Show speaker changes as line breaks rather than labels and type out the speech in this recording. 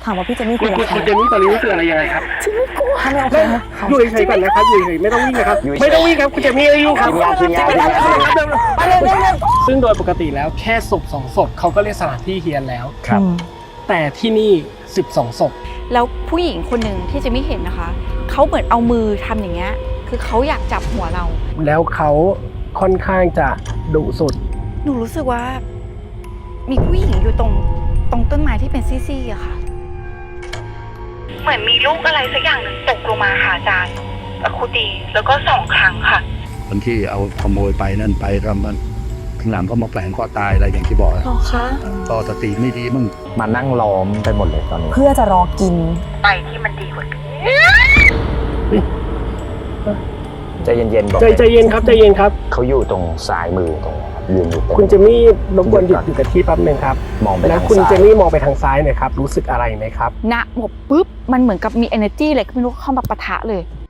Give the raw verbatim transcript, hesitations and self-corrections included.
ามว่าพี่เจมี่
คุ
คุ
ณ
ย
คุ
กับ
ณ
ใคร
คุณเจมี่ตอนนี้รู้สึกอะไรยังไงครับ
ฉันไม่กลัวถ้าไม่โอเคนะ
อยู่เฉยๆก่อนนะครับอยู่เฉยๆไม่ต้องวิ่งนะครับไม่ต้องวิ่งครับคุณเจมี่อายุครับ
ทีมงานทีมงานทีมงาน
ไปเลยเร็ว
ซึ่งโดยปกติแล้วแค่ศพสองศพเขาก็เรียกสถานที่เฮียนแล้ว
ครับ
แต่ที่นี่สิบสองศพ
แล้วผู้หญิงคนหนึ่งที่จะไม่เห็นนะคะเขาเหมือนเอามือทำอย่างเงี้ยคือเขาอยากจับหัวเรา
แล้วเขาค่อนข้างจะดุสุด
หนูรู้สึกว่า มีผู้หญิงอยู่ตรงตรงต้นไม้ที่เป็นซี่ๆอะค่ะ
เหมือนมีลูกอะไรสักอย่างหนึ่งตกลงมาค่ะอาจารย์ครูตีแล้วก็สองครั้งค่ะ
คนที่เอาขโมยไปนั่นไปทำมันข้างหลังก็มาแฝงคอตายอะไรอย่างที่บอก
ๆหรอคะ
ก็สติไม่ดีมั่ง
มานั่งล้อมไปหมดเลยตอนนี้
เพื่อจะรอกิน
ไปที่มันดีกว่านี้
ใจเย็นๆบอก
ใจใจเย็นครับใจเย็นครับ
เขาอยู่ตรงซ้ายมือตรงนี้ครับยืนอยู่ตรง
คุณเจมี่รบกวนหยุดอยู่กับที่แป๊บหนึ่งครับ
มองไป
แล้ว
ทาง
คุณ
ซ้า
เจ
ย
มี่มองไปทางซ้ายหน่อยครับรู้สึกอะไรไหมครับ
ณหมบปุ๊บมันเหมือนกับมี energy อะไรก็ไม่รู้เข้ามาปะทะเลย